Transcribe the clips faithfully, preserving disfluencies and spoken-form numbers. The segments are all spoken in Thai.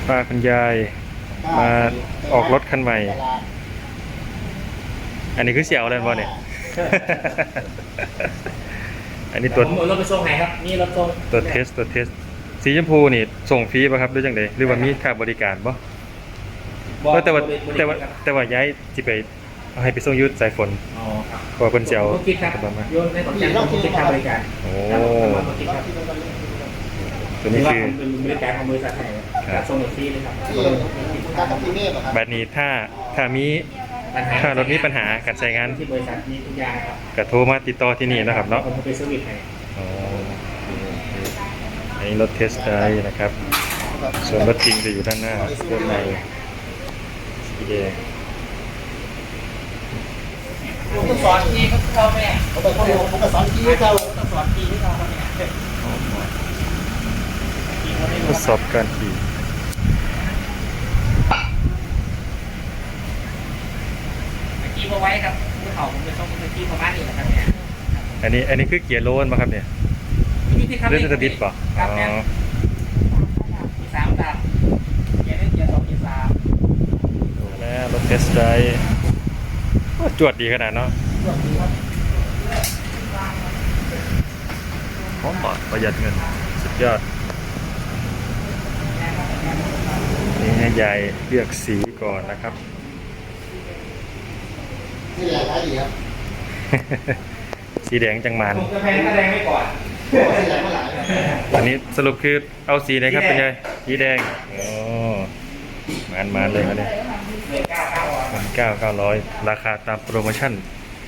ป้าคุณยายมาออกรถคันใหม่อันนี้คือเสี่ยวอะไรบ้างเนี่ย อันนี้ตัวผมเอารถไปส่งไหนครับนี่รถส่งตัวเทสตัวเทสสีชมพูนี่ส่งฟรีป่ะครับหรือจังไดหรือว่ามีค่าบริการป่ะแต่ว่าแต่ว่าแต่ว่าย้ายที่ไปเอาให้ไปส่งยุทธสายฝนอ๋อครับเพราะคนเสี่ยวคิดครับโยนในของจันทร์ผมคิดค่าบริการโอ้ตัวนี้คือเป็นบริการของบริษัทไหนส่งฟรีเลยครับแบบนี้ถ้าถ้ามีถ้ารถมีปัญหาการใช้งานที่บริษัทนี้ทุกอย่างครับก็โทรมาติดต่อที่นี่นะครับเนาะผมไปเซอร์วิสให้อ๋ออันนี้รถเทสได้นะครับส่วนรถจริงจะอยู่ด้านหน้าด้านในสีแดงผมก็สอนทีเขาเข้าแม่ผมก็ผมก็สอนทีเขาต้องสอนทีให้เขาทดสอบการขี่ขี่มาไว้ครับมือเขาผมจะต้องไปขี่ประมาณนี้นะครับเนี่ยอันนี้อันนี้คือเกียร์โลนป่ะครับเนี่ยเรื่องจะบิดป่ะครับเนี่ยมีสามดับเกียร์หนึ่งเกียร์สองเกียร์สามดูแลรถเทสได้จวดดีขนาดเนาะพร้อมบอดประหยัดเงินสุดยอดนี่ให้ยายเลือกสีก่อนนะครับนี่แหละท้ายดีครับสีแดงจังมันผมจะแพงแดงไม่ก่อนสีแดงเมื่อไหร่อันนี้สรุปคือเอาสีไหนครับเป็นไงสีแดงโอ้มันมันเลยครับเนี่ยพันเก้าเก้าร้อยราคาตามโปรโมชั่น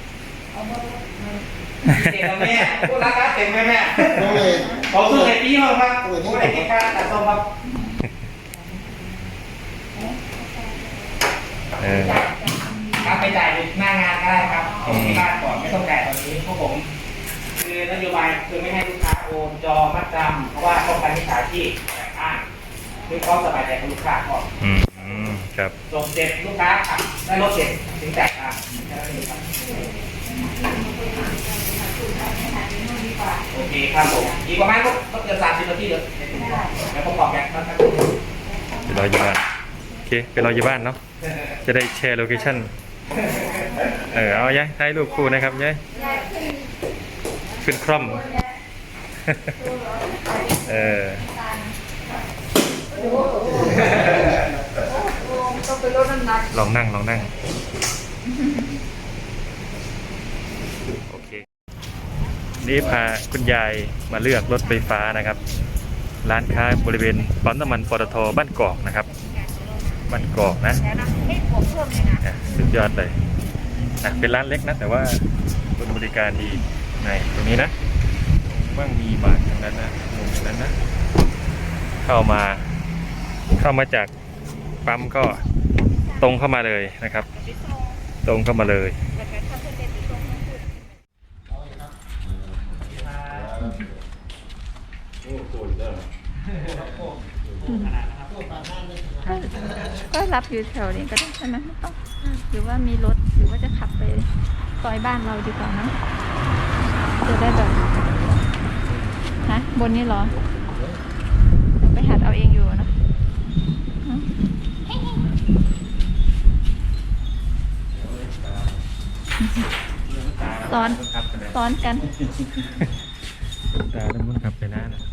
เต็มแม่พูดราคาเต็มไหมแม่ต้องเลยเขาซื้อไอ้ปีมาครับพูดไอ้ปีค่าตัดส้มครับเออครับไปจ่ายหน้างานก็ได้ครับเอาที่บ้านก่อนไม่ต้องจ่ายตอนนี้พวกผมคือนโยบายคือไม่ให้ลูกค้าโอนจอมัดจำเพราะว่าป้องกันมิจฉาชีพแอบอ้างด้วยความสบายใจของลูกค้าก่อนอืมครับส่งเสร็จลูกค้าขับได้รถเสร็จถึงจ่ายครับโอเคครับผมอีกประมาณก็เกือบสามสิบนาทีเดี๋ยวแล้วผมบอกแกครับไปรออยู่บ้านโอเคไปรออยู่บ้านเนาะจะได้แชร์โลเคชั่นเออเอาย้ายถ่ายรูปคู่นะครับย้ายขึ้นคร่อมเออลองนั่งลองนั่งโอเคนี่พาคุณยายมาเลือกรถไฟฟ้านะครับร้านค้าบริเวณปั๊มน้ำมันปตท.บ้านกอกนะครับบ้านกอกนะสุดยอดเลยอ่ะเป็นร้านเล็กนะแต่ว่าบริการดีในตรงนี้นะว่างมีบาทตรงนั้นนะตรงนั้นนะเข้ามาเข้ามาจากปั๊มก็ตรงเข้ามาเลยนะครับตรงเข้ามาเลยก็รับอยู่แถวนี้ก็ได้ใช่ไหมไม่ต้องหรือว่ามีรถหรือว่าจะขับไปซอยบ้านเราดีกว่านะจะได้แบบฮะบนนี้เหรอไปหัดเอาเองอยู่นะซ้อนซ้อนกันตาต้องมุนขับไปหน้านะ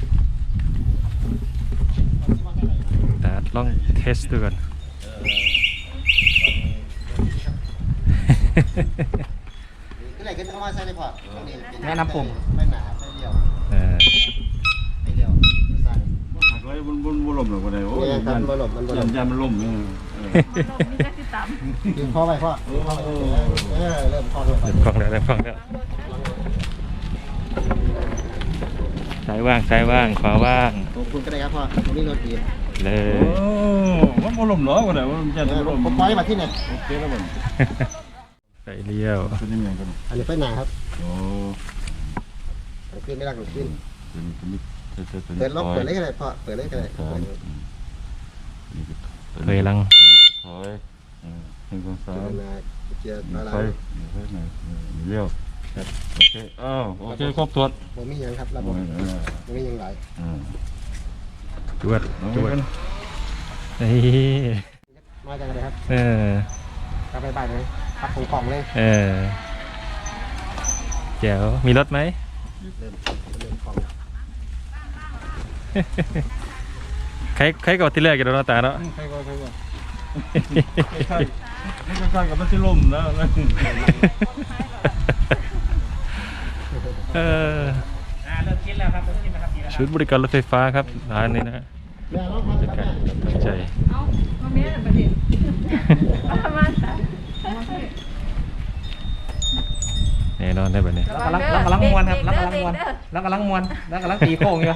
ตาลองเทสดูก่อนก็เลยก็ต้องมาใส่เลยพอแนะนำผมไม่หนาไม่เดียวไม่เดียวใส่หักไว้บนบนบนลมหรือว่าไงโอ้ยมันบนลมมันบนลมยันมันลมเนี่ยมีแค่ติดตามยิงพ่อไปพ่อเออเริ่มพ่อเริ่มเริ่มคล่องแล้วเริ่มคล่องแล้วซ้ายว่างซ้ายว่างขวาว่างขอบคุณก็ได้ครับพ่อนี่รถดีเลยโอ้มันบนลมเหรอว่าไหนว่ามันจะลมผมปล่อยมาที่ไหนโอเคแล้วมันไปเลี้ยวเป็นยังไงกันอันนี้ไฟหนาครับโอ้ขึ้นไม่รักหรือขึ้นเปิดล็อกเปิดเลยก็ได้พ่อเปิดเลยก็ได้เคยลังถอยหนึ่งสองสามเกียร์อะไรไฟไฟไหนเลี้ยวโอเคอ้าวโอเคครบถ้วนผมมียังครับระบบผมมียังหลายจวดจวดนี่มาจากอะไรครับเออกลับไปบ้านเลยพักของกล่องเลยเออเจ๋วมีรถไหมเริ่มเริ่มของใครใครก่อนที่แรกกันเนาะตาเนาะใครก็ใครก็ใช่ไม่ใช่กับมันที่ล่มนะเอออ่าเริ่มคิดแล้วครับเริ่มคิดแล้วครับดีแล้วคชุรัดบริการรถไฟฟ้าครับร้านนี้นะฮะแม่ร้องพักเป็นครับการแม่ตั้งใจเอามาเมียประเด็นเอามาซะแน่นอนได้แบบนี้เรากำลังเรากำลังมวนครับเรากำลังมวนเรากำลังมวนเรากำลังตีโค้งอยู่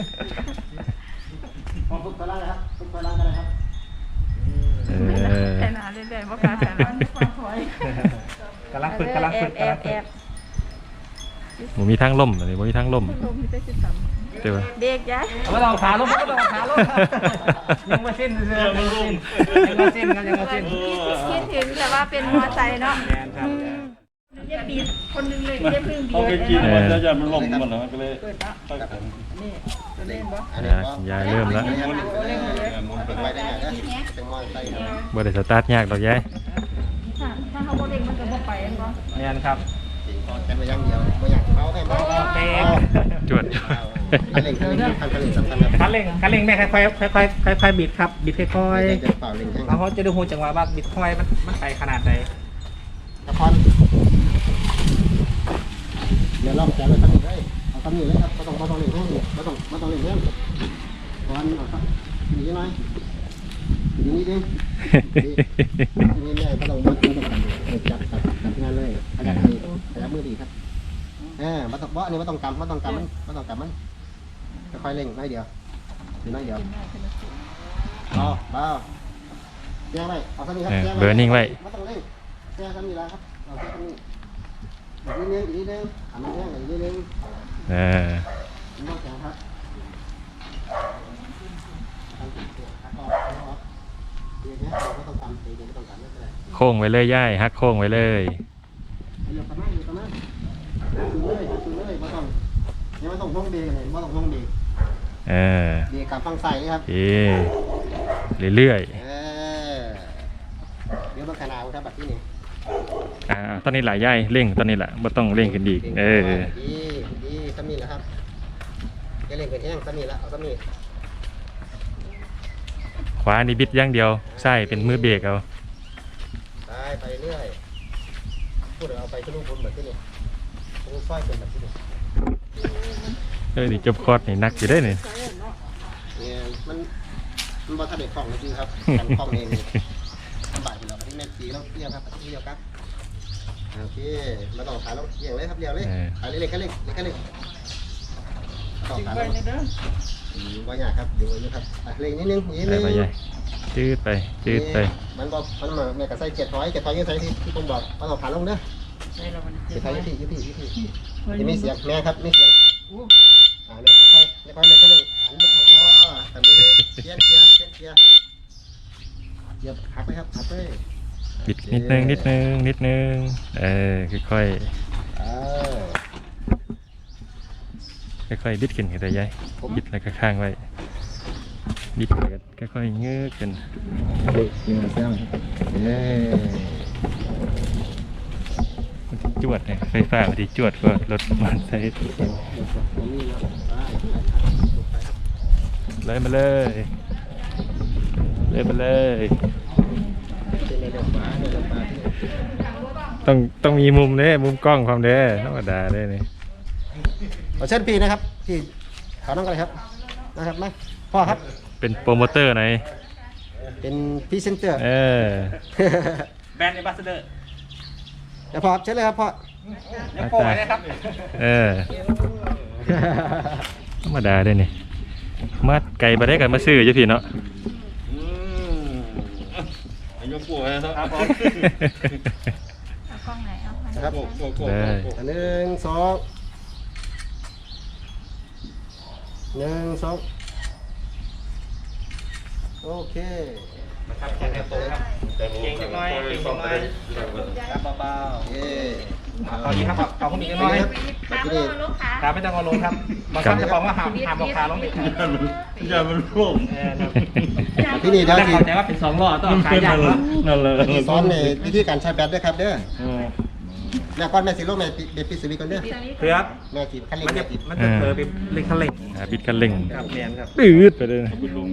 ของทุกตัวล่างนะครับทุกตัวล่างกันเลยครับเออแค่หนาเรื่อยๆบ่กล้าแค่หนาความถอยกำลังฝึกกำลังฝึกแอกำลับงแอฝึกบหมูมีทางล่มอันนี้หมูมีทางล่มลมนี่จะสิสามเดี๋ยวเด็กย้ายเอาไม่ต้องขาลงไม่ต้องขาลงยังไม่สิ้นเลยยังไม่สิ้นยังไม่สิ้นครับยังไม่สิ้นคิดถึงแต่ว่าเป็นมอไซค์เนาะแมนครับเย็บบีคนหนึงเลยเย็บเพิ่งบีเขาไปกินมันจะจะมันล่มมันแล้วก็เลยอันนี้อ่ะยายเริ่มแล้วมุนเป็นไปได้ไงนะเป็นมอไซค์ครับบ่ได้สตาร์ทยากดอกยายถ้าถ้าเขาบ่เด็กมันก็บ่ไปอันบ่แมนครับจริงพอกันไปอย่างเดียวไม่อยากเขาให้บ้าเบรกจวดจวดคันเร่งคันเร่งคันเร่งสำคัญครับคันเร่งคันเร่งแม่ค่อยๆค่อยๆค่อยๆบิดครับบิดค่อยจะเป่าเร่งให้ๆแล้วเขาจะดูหูจังหวะว่าบิดค่อยมันมันไปขนาดไหนละครเดี๋ยวลองแจกเลยครับเลยเอาคำนี้เลยครับไม่ต้องไม่ต้องเร่งแห้งไม่ต้องไม่ต้องเร่งแห้งก่อนเอาครับหนีหน่อยหนีนิดนึงนี่แม่ไม่ต้องมัดไม่ต้องจับจับจับงานเลยขยับมือขยับมือดีครับเออมาต้องเบาะนี่ไม่ต้องกำไม่ต้องกำมันไม่ต้องกำมันค่อยๆเร่งน้อยเดียวดีน้อยเดียวเอาเบาแจ้งไว้เอาสักนิดครับแจ้งเบอร์นิ่งไว้ไม่ต้องเร่งแจ้งสักนิดแล้วครับเอาแค่นี้อีกนิดนึงอีกนิดนึงทำมันแจ้งอีกนิดนึงเออไม่ต้องแจ้งครับทำตัวหักออกหักออกเดี๋ยวนี้เราไม่ต้องกำเดี๋ยวไม่ต้องกำไม่เป็นไรโค้งไว้เลยย่ายฮักโค้งไว้เลยอยู่ตรงนั้นอยู่ตรงนั้นถึงเลยถึงเลยไม่ต้องยังไม่ต้องลงเบรกเลยไม่ต้องลงเบรกเออเบรกกับฟังใส่เลยครับเอเรื่อยเออเดี๋ยวมันขนาดครับแบบที่นี่ๆอ่าตอนนี้หลายย่ายเร่งตอนนี้แหละบ่ต้องเร่งขึ้นอีกเออดีดีสามีแล้วครับจะเล่นเป็นแห้งสามีแล้วเอาสามีขวานี่บิดอย่างเดียวใช่เป็นมือเบรกเอาไปไปเรื่อยพูดเอาไปที่ลูกบนแบบที่นี่ลูกสร้อยเป็นแบบที่นี่เออนี่จบคอร์สนี่นักอยู่ได้นี่เนี่ยมันมันบอทัดเด็กของจริงครับกันของเองสบายไปแล้วที่แม่ตีแล้วเรียกครับที่เรียกครับโอเคมาต่อขาแล้วเรียงเลยครับเรียงเลยขาเล็กๆแค่เล็กเล็กแค่เล็กต่อขาแล้วว่ายากครับดูนะครับเล็กนิดนึงนิดไปนึงไปย่ายจืดไปจืดไปมันบอกมันมาแม่กับใส่เจ็ดร้อยเจ็ดร้อยยังใส่ที่ที่ผมบอกมาต่อขาลงเด้อเจ็ดร้อยยี่สิบยี่สิบยี่สิบจะมีเสียงแม่ครับมีเสียงอ่าเนี่ยค่อยๆค่อยๆเลยแค่หนึ่งหันไปทางพ่อทำเลยเชียร์เชียร์เชียร์เชียร์เหยียบหักไปครับหักไปบิดนิดนึงนิดนึงนิดนึงเออค่อยเออๆค่อยๆบิดขึ้นกันแต่ย่ายบิดแล้วก็ข้างไว้บิดแล้วก็ค่อยๆเงือกขึ้นเด็กยิงเสียงเย้มันสิจวดเนี่ยไฟฟ้ามันสิจวดกว่ารถมันใช้ผมนี่นะไปเลยมาเลยเลยมาเลยเป็นในเรื่องฟ้าในเรื่องฟ้าที่ต้องต้องมีมุมเด้มุมกล้องความเด้ธรรมดาเด้นี่ขอเชิญพี่นะครับพี่ขอน้องกันเลยครับนะครับมาพ่อครับเป็นโปรโมเตอร์ไหนเป็นพรีเซนเตอร์เออแบรนด์เอมบาสเดอร์เดี๋ยวพ่อครับเชิญเลยครับพ่อยังโป้เลยนะครับเออธรรมดาเด้นี่มาไก่มาได้กันมาซื้อจ้ะพี่เนาะอืมอายุปู่นะครับเอากล้องไหนเอาพันครับโก้โก้โก้อันหนึ่งสองหนึ่งสองโอเคครับแข่งกันตรงครับเก่งจังน้อยเก่งจังน้อยครับเบาเย้เอาดีครับเอาคุณมีกันน้อยขาไม่ต้องลูกขาครับไม่ต้องเอาลงครับบางครั้งจะบอกว่าหามหามบอกขาลงไปอย่ามันร่วงเออครับที่นี่เดี๋ยวแต่ที่เข้าใจว่าเป็นสองล้อต้องเอาขายางเนาะนั่นเลยที่ซ้อนในวิธีการใช้แบตด้วยครับเด้อเออแม่ก้อนแม่สิโลกแม่เบปิดสวิตช์ก่อนเด้อครับแม่ขีดคันเร่งมันแม่จะขีดมันจะเผลอไปเล็กคันเร่งอ่าบิดกันเร่งครับเรียนครับปืดไปเลยนะเอาไปลง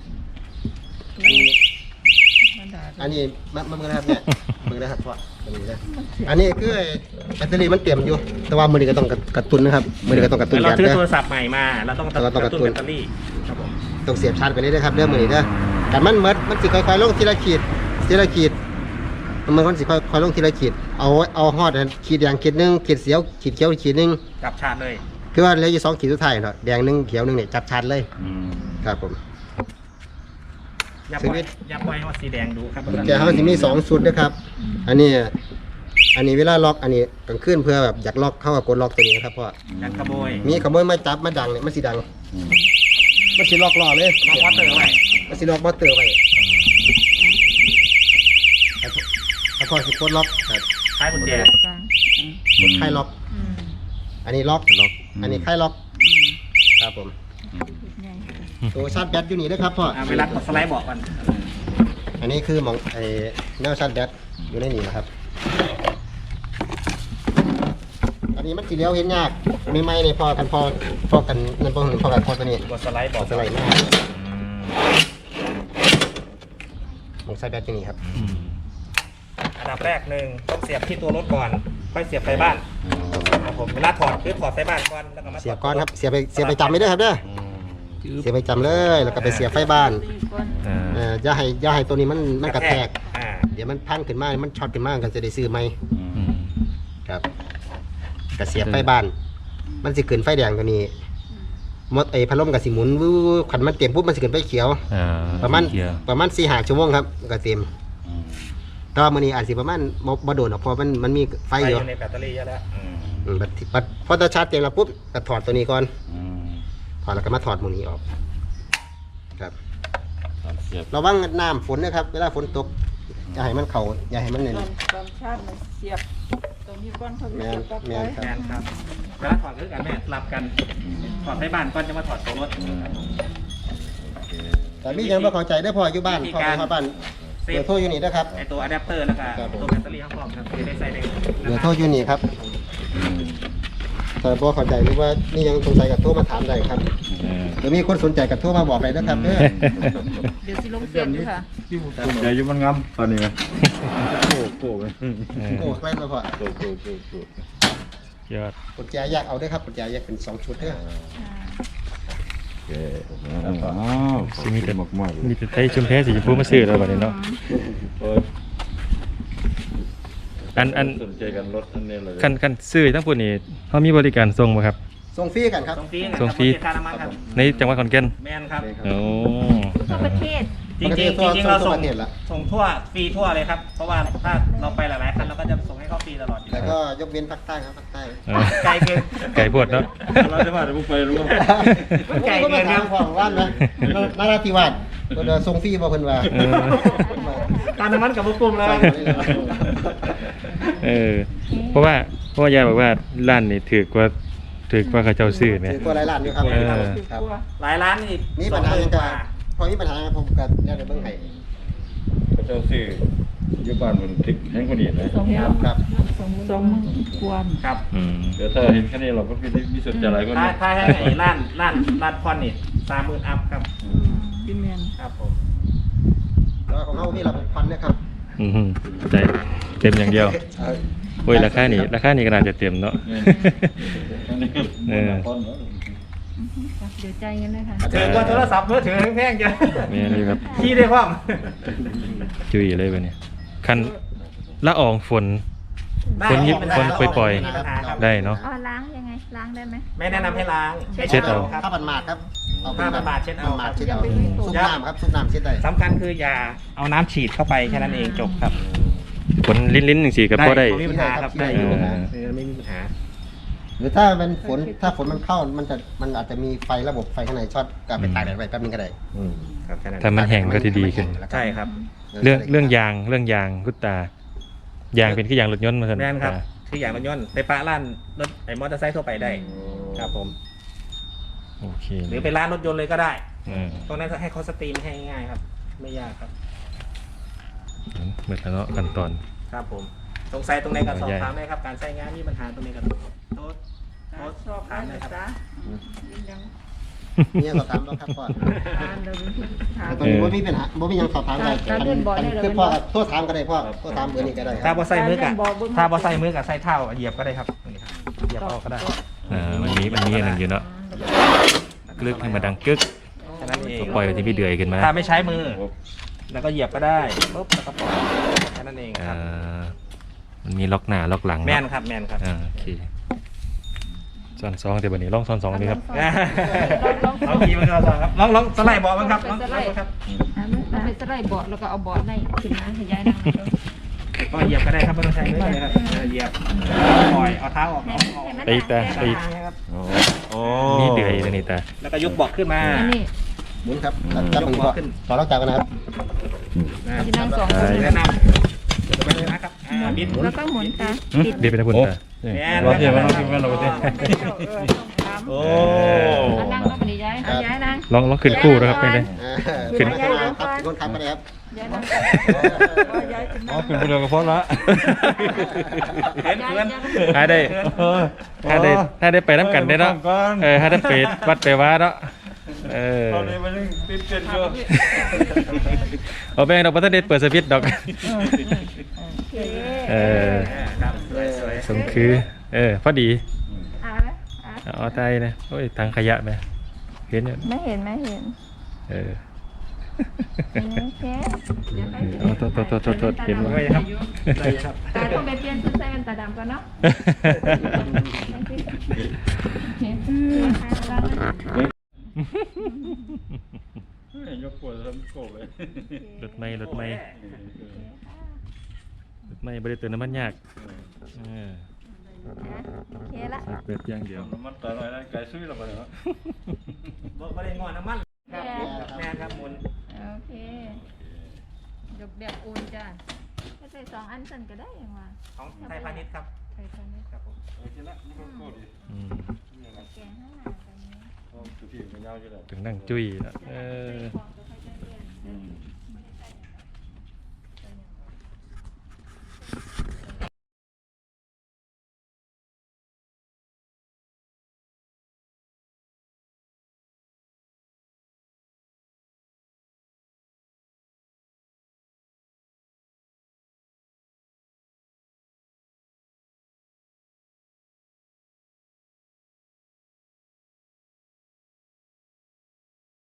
อันนี้มามามือนะครับเนี่ยมือนะครับพ่อมือนะอันนี้คือแบตเตอรี่มันเตรียมอยู่ แต่ว่ามือนี้ก็ต้องกระตุ้นนะครับมือนี้ก็ต้องกระตุ้นเรายางซื้อเด้อโทรศัพท์ใหม่มาเราต้องเราต้องกกระระตุ้ตุ้นนแบตเตอรี่ครับผมต้องเสียบชาร์จไปเลยนะครับเด้อมือนี้เด้อกันมันเมิดมันสิค่อยๆลงทีละขีดทีละขีดมันมันสิค่อยๆลงทีละขีดเอาเอาฮอดอันขีดแดงขีดหนึงขีดเสียวขีดเขียวขีดหนึงจับชาร์จเลยคือว่าเหลืออยู่สองขีดสุดท้ายเนาะแดงหนึงเขียวหนึงเนี่ยจับชาร์จเลยอืมครับผมอย่าปชีล่อวิยตอย่าปล่อยให้มันสีแดงดูครับแกเขาจะมีสองชุดนะครับ อันนี้ อันนี้เวลาล็อก อันนี้กลางคืนเพื่อแบบอยากล็อกเข้ากับกดล็อกตัวนี้นะครับเพราะอยากขโมยมีขโมยมาจับมาดังเนี่ยมันสีดัง มันสีล็อกล้อเลยล็อกวอเตอร์ไว้มันสีล็อกมอเตอร์ไว้ถ้าพอสิกดล็อกครับคล้ายกุญแจกดไข่ล็อก อันนี้ล็อกล็อก อันนี้ไข่ล็อก ครับผมตัวชาร์จแบตอยู่นี่นะครับพ่ออ่าเวลากดสไลด์บอกกันอันนี้คือหมองไอ้แนวชาร์จแบตอยู่ในนี่นะครับ อันนี้มันสีเลี้ยวเห็นยากไม่ไม่ในพอกันพอพอกันนั่นพอกันพอกันพอตัวนี้กดสไลด์บอกสไลด์หน้าหมองชาร์จแบตอยู่นี่ครับอืมอันดับแรกหนึ่งต้องเสียบที่ตัวรถก่อนค่อยเสียบไฟบ้านครับผมเวลาถอดคือถอดไฟบ้านก่อนแล้วก็มาเสียบก้อนครับเสียบไปเสียบไปจำไม่ได้อครับเด้อเสียบไปจำเลยแล้วก็ไปเสียบไฟบ้านอ่าเอ่ออย่าให้อย่าให้ตัวนี้มันมันกระแทกอ่าเดี๋ยวมันพังขึ้นมามันช็อตขึ้นมากันจะได้ซื้อไหมอืมครับกระเสียบไฟบ้าน มันสิขึ้นไฟแดงตัวนี้มดไอ้พัดลมกับสิหมุนวู้ขันมันเต็มปุ๊บมันสิขึ้นไฟเขียวอ่าประมาณเกียร์ประมาณสี่ห้าชั่วโมงครับก็เต็มแต่ว่ามื้อนี้อาจสิประมาณบ่บ่โดนหรอกเพราะมันมันมีไฟไฟออยู่ ยู่ในแบตเตอรี่เยอะแล้วอืมบัดที่บัดพอตาชาร์จเต็มแล้วปุ๊บก็ถอดตัวนี้ก่อนอืมถอดแล้วก็มาถอดหมูนี้ออก ครับครับเสียบระวังน้ำฝนนะครับ เวลาฝนตกอย่าให้มันเข่าอย่าให้มันเนี่ยตอนตอนชาติมันเสียบตรงนี้ก้อนเขาแมเสียนบกับแมไว้นครับแมนครับเวลาถอดคือกันแม่สลับกันถอดไฟบ้านก่อนจะมาถอดตัวรถโอเคแต่มียังไม่เข้าใจได้อพออยู่บ้านวิธีพอการอยู่บ้านเซเบอฟร์โทรอยู่นี่นะครับไอตัวอะแดปเตอร์แล้วก็ครับผมตัวแบตเตอรี่ข้างนอกครับจะได้ใส่ได้เบอร์โทรอยู่นี่ครับแต่พอเข้าใจหรือว่านี่ยังสงสัยกับโทรมาถามได้ครับเออเดี๋ยวมีคนสนใจกับโทรมาบอกเลยนะครับเด้อเดี๋ยวสิลงเสียบอยู่ค่ะเดี๋ยวอยู่มันงำตอนนี้ไหมโก้โก้ไหมเออโอ้ใกล้มาพอโก้โก้โก้โก้ยอดกุญแจแยกเอาด้วยครับกุญแจแยกเป็นสองชุดเด้อโอเคอ้าวขอบคุณมากๆเลยมีแต่ไทยชุมแพสีชมพูมาซื้อแล้วบัดนี้เนาะเอออันอันสนใจกันรถอันนี้เลยคันคันซื้อทั้งพวกนี้เขามีบริการส่งบ่ครับส่งฟรีกันครับส่งฟรีส่งฟรีค่าน้ำมันครับในจังหวัดขอนแก่นแมนครับโอ้ทั่วประเทศจริงๆจริงๆจริงๆเราส่งทั่วประเทศละส่งทั่วฟรีทั่วเลยครับ เพราะว่าถ้าเราไปหลายๆคันเราก็จะส่งให้เขาฟรีตลอดอยู่แล้วก็ยกเว้นภาคใต้ครับภาคใต้เออไกลเกินไก่พวดเนาะเราจะมาเดี๋ยวมึงไปรู้ไหมไกลก็เกิมานคถารัมบของว่านนะนาราธิวาสเพิ่นว่าส่งฟรีบ่เพิ่นว่าเออการน้ำมันกับพวกกลุ่มเลยเออ เพราะว่าเพราะว่ายายบอกว่าร้านนี่ถือกว่าถือกว่าเขาเจ้าซื้อไหมถือกว่าหลายล้านอยู่ครับเออครับหลายร้านนี่มีปัญหาจังกะพอมีปัญหาผมก็เดี๋ยวเดี๋ยวเบิ่งให้พระเจ้าซื้ออยู่บ้านมันพลิกแห้งคนนี้นะสองครับครับสองสองมือควรครับอืมเดี๋ยวถ้าเห็นแค่นี้เราก็มีมีสนใจอะไรก็ถ้าเนี่ยถ้าให้ไอ้ร้านร้านร้านคอนนี่สามหมื่นอัพครับพี่แมนครับผมแล้วของเฮามีระบบควันนะครับอืมได้เต็มอย่างเดียวเออโอ้ยราคานี่ราคานี่ก็น่าจะเต็มเนาะ เออเดี๋ยวใจกันเลยค่ะถือกว่าโทรศัพท์มือถือแพงจังแม่นี่ครับขี้ได้พร้อมจุยเลยบัดนี้คันละอองฝนได้คนยิบไม่คนได้ปล่อยๆไม่มีปัญหาครับได้เนาะอ๋อล้างยังไง ล้างได้ไหมไม่แนะนำให้ล้างเช็ดเอาครับผ้าบันมาดครับผ้าบันมาดเช็ดเอาผ้บันมาดเช็ดเอาซุปน้ำครับซุปน้ำเช็ดได้สำคัญคืออย่าเอาน้ำฉีดเข้าไปแค่นั้นเองจบครับฝนลิ้นๆจังซี่ก็พอได้ไม่มีปัญหาครับได้อยู่เออเออไม่มีปัญหาหรือถ้าเป็นฝนถ้าฝนมันเข้ามันจะมันอาจจะมีไฟระบบไฟข้างในช็อตก็ไปตากแดดไว้แป๊บนึงก็ได้ครับแค่นั้นถ้ามันแห้งก็จะดีขึ้นใช่ครับเรื่องเรื่องยางเรื่องยางกุตตายางเป็นคือยางรถยนต์มาซั่นแม่นครับตาถคืออย่างรถยนต์ไปปะร้านรถไอ้มอเตอร์ไซค์ทั่วไปได้ครับผมโอเคหรือไปร้านรถยนต์เลยก็ได้อืมตรงนั้นให้เขาสตรีมให้ง่ายๆครับ ไม่ยากครับเหมือนแล้วเนาะขั้นตอนครับผมสงสัยตรงไหนก็สอบใหญ่ถามได้ครับ การใช้งานมีปัญหาตรงไหนก็โต๊ะโต๊ะชอบถามได้ครับจ้ายังเนี่ยสอบถามแล้วครับพ่อทานเดี๋ยวถามแต่ตอนนี้บ่มีปัญหาบ่มีหยังสอบถามได้การเรียนบ่ได้เลยคือพ่อโทษถามก็ได้พ่อโทษถามเบอร์นี้ก็ได้คถ้ารับบอใส่มือกะการเล่นบอลบนถ้าบอใส่มือกะใส่เท้าเหยียบก็ได้ครับนี่ครับเหยียบเอาก็ได้อ่ามันมีมันมีอันหนึ่งอยู่เนาะกลึกให้มาดังกึกแค่นั้นเองก็ปล่อยไปที่พี่เดือยขึ้นมาถ้าไม่ใช้มือ แล้วก็เหยียบก็ได้ปุ๊บแล้วก็ปล่อยแค่นั้นเองคอ่ารับมันมีล็อกหน้าล็อกหลังแมเนาะนครับแมนครับอ่าโอเคซ้อนสองเดี๋ยววันนี้ลองซ้อนสองดีครับเอาขี่มันก็สองครับลองลองสไลด์เบาะมันครับลองลองดูครับมันเป็นสไลด์เบาะแล้วก็เอาเบาะในขึ้นมาขยายนั่งก็เหยียบก็ได้ครับไม่ต้องใช้มือเลยครับเออเหยียบปล่อยเอาเท้าออกเอาออกไปอีกแต่ไปอีกครับโอ้โอ้นี่เดือยตัวนี้แต่แล้วก็ยกเบาะขึ้นมาอันนี้หมุนครับจับมือพ่อขอรับจากกันนะครับจะนั่งสองคนแนะนำจะไปเลยนะครับอ่าบิดแล้วก็หมุนตาปิดเดี๋ยวไปนะคุณตาแมนเราเทียบเราเทียบเราเทียบโอ้อันนั่งก็เป็นย้ายเอาย้ายนางลองลองขึ้นคู่นะครับเป็นไงอ่าขึ้นขึ้นมาครับคนขับมาเลยครับย้ายนางย้ายขึ้นอ๋อเป็นผู้เดียวกับพ่อละเขินเขินถ้าได้เออถ้าได้ถ้าได้ไปน้ำกันได้เนาะก่อนเออถ้าได้ไปวัดไปว่าเนาะเออตอนนี้มันยังติดเกินอยู่เอาแบงค์ดอกบัตเตอร์เดทเปิดสวิตช์ดอก เออครับสวยสวยสมคือ เออ พอดีอ่ะอ่ะเอาใจนะโอ้ยทางขยะไหมเห็นอยู่ไม่เห็นไม่เห็นเออโอเคโอ้โทษโทษโทษโทษโทษเห็นว่าด้วยครับด้วยครับตาต้องไปเปลี่ยนชุดใส่เป็นตาดำก่อนเนาะเห็นตาดำยกปวดทำโกบเลยรถไม่รถไม่รถไม่บริเติมน้ำมันยากเออโอเคละเปิดอย่างเดียวน้ำมันต่อหน่อยนะไก่ซุยเราไปเนาะบ่บ่ได้งอนน้ำมันครับแมนครับหมุนโอเคยกแบบอุ่นจ้าถ้าใส่สองอันสั่นก็ได้ยังวะของไทยพาณิชย์ครับใส่ตอนนี้ครับผมโอเคละนี่ก็โกดีอืมแกงข้างหน้าตอนนี้สุดที่มันยาวอยู่แล้วถึงนั่งจุ้ยแล้วเออ